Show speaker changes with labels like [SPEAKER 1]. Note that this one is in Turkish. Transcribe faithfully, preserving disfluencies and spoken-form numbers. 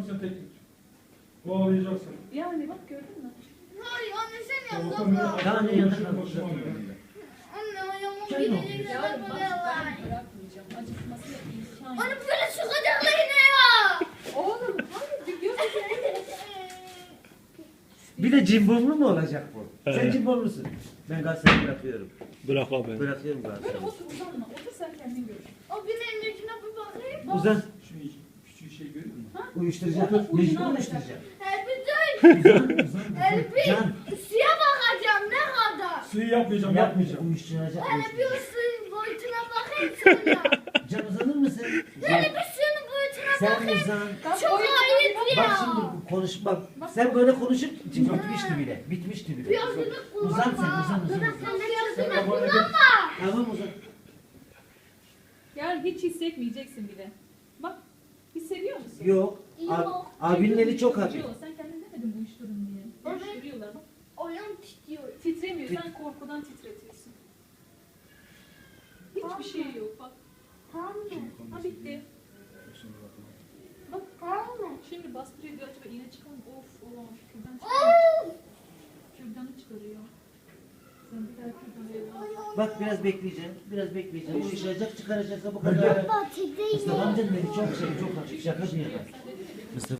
[SPEAKER 1] yapacaksın teknik. Kovalayacaksın.
[SPEAKER 2] Yani bak gördün mü?
[SPEAKER 3] Hayır anne sen yap
[SPEAKER 1] Tamam,
[SPEAKER 3] baba.
[SPEAKER 4] Tamam,
[SPEAKER 1] Hoşuma
[SPEAKER 4] yanına
[SPEAKER 1] hoşuma
[SPEAKER 4] kal.
[SPEAKER 1] gidiyor.
[SPEAKER 3] Anne ayağımın
[SPEAKER 4] Sen ne
[SPEAKER 3] birini
[SPEAKER 4] yapıyorsun?
[SPEAKER 2] Yarın
[SPEAKER 3] yapma
[SPEAKER 2] bak
[SPEAKER 3] ya.
[SPEAKER 2] ben bırakmayacağım. Acıtmasına imkan
[SPEAKER 3] Anne
[SPEAKER 2] yok.
[SPEAKER 3] böyle çıkacaklar yine ya.
[SPEAKER 2] Oğlum hayır bir göz
[SPEAKER 4] Bir de cimbomlu mu olacak bu? Sen
[SPEAKER 5] Evet.
[SPEAKER 4] cimbomlusun. Ben Galatasaray'ı bırakıyorum.
[SPEAKER 5] Bırakma beni.
[SPEAKER 4] Bırakıyorum
[SPEAKER 2] Böyle
[SPEAKER 4] Galatasaray'ı.
[SPEAKER 2] otur uzanma. Otur sen kendin gör.
[SPEAKER 3] O bir elindekine bir bakayım.
[SPEAKER 4] Uzan.
[SPEAKER 1] Şu küçük şey görüyor musun?
[SPEAKER 4] Uyuşturacak.
[SPEAKER 2] Otur, ucuna
[SPEAKER 4] Mecbur
[SPEAKER 2] alacak.
[SPEAKER 4] uyuşturacak.
[SPEAKER 3] Elbi dur.
[SPEAKER 4] Uzan, uzan,
[SPEAKER 3] Elbi.
[SPEAKER 4] uzan. Can.
[SPEAKER 3] Suya bakacağım ne kadar.
[SPEAKER 1] Suyu yapmayacağım,
[SPEAKER 4] Yapmayacak.
[SPEAKER 1] yapmayacağım.
[SPEAKER 4] Uyuşturacak.
[SPEAKER 3] Hele bir o
[SPEAKER 4] uyuşturacak.
[SPEAKER 3] suyun boyutuna bakayım sonra.
[SPEAKER 4] Can uzanır mısın?
[SPEAKER 3] Hele bir suyun boyutuna
[SPEAKER 4] Sen
[SPEAKER 3] bakayım.
[SPEAKER 4] uzan.
[SPEAKER 3] Çok ayıp
[SPEAKER 4] Bak
[SPEAKER 3] ya.
[SPEAKER 4] şimdi konuş bak. Sen böyle konuşup bitmişti bile. Bitmişti bile.
[SPEAKER 3] Piyazını kullanma.
[SPEAKER 4] Uzan sen uzan uzan.
[SPEAKER 3] Dur,
[SPEAKER 4] uzan.
[SPEAKER 3] sen piyazını
[SPEAKER 1] Sen kafana
[SPEAKER 3] kullanma.
[SPEAKER 4] Tamam uzan.
[SPEAKER 2] Yani hiç hissetmeyeceksin bile. Bak hissediyor musun?
[SPEAKER 4] Yok. Ab,
[SPEAKER 3] Yok.
[SPEAKER 4] abinin eli çok hafif.
[SPEAKER 2] Uyuşturuyor. Sen kendin demedin mi uyuşturun diye.
[SPEAKER 3] Evet.
[SPEAKER 2] Uyuşturuyorlar bak.
[SPEAKER 3] Ayağım titriyor.
[SPEAKER 2] Titremiyor. Sen korkudan titretiyorsun. Hiçbir şey yok bak.
[SPEAKER 3] Tamam mı?
[SPEAKER 2] Ha bitti. Bak
[SPEAKER 3] Tamam mı?
[SPEAKER 2] şimdi bastırıyor diyor acaba iğne çıkar mı? Of olamaz. Kürdan çıkarıyor.
[SPEAKER 3] Of.
[SPEAKER 2] Kürdanı çıkarıyor. Sen bir daha kürdanı
[SPEAKER 4] Bak biraz bekleyeceğim. Biraz bekleyeceğim. Uyuşacak çıkaracaksa bu kadar.
[SPEAKER 3] Baba titriyor.
[SPEAKER 4] Mustafa amcanın eli çok şey çok hafif. Şaka bir yana.
[SPEAKER 2] Sen de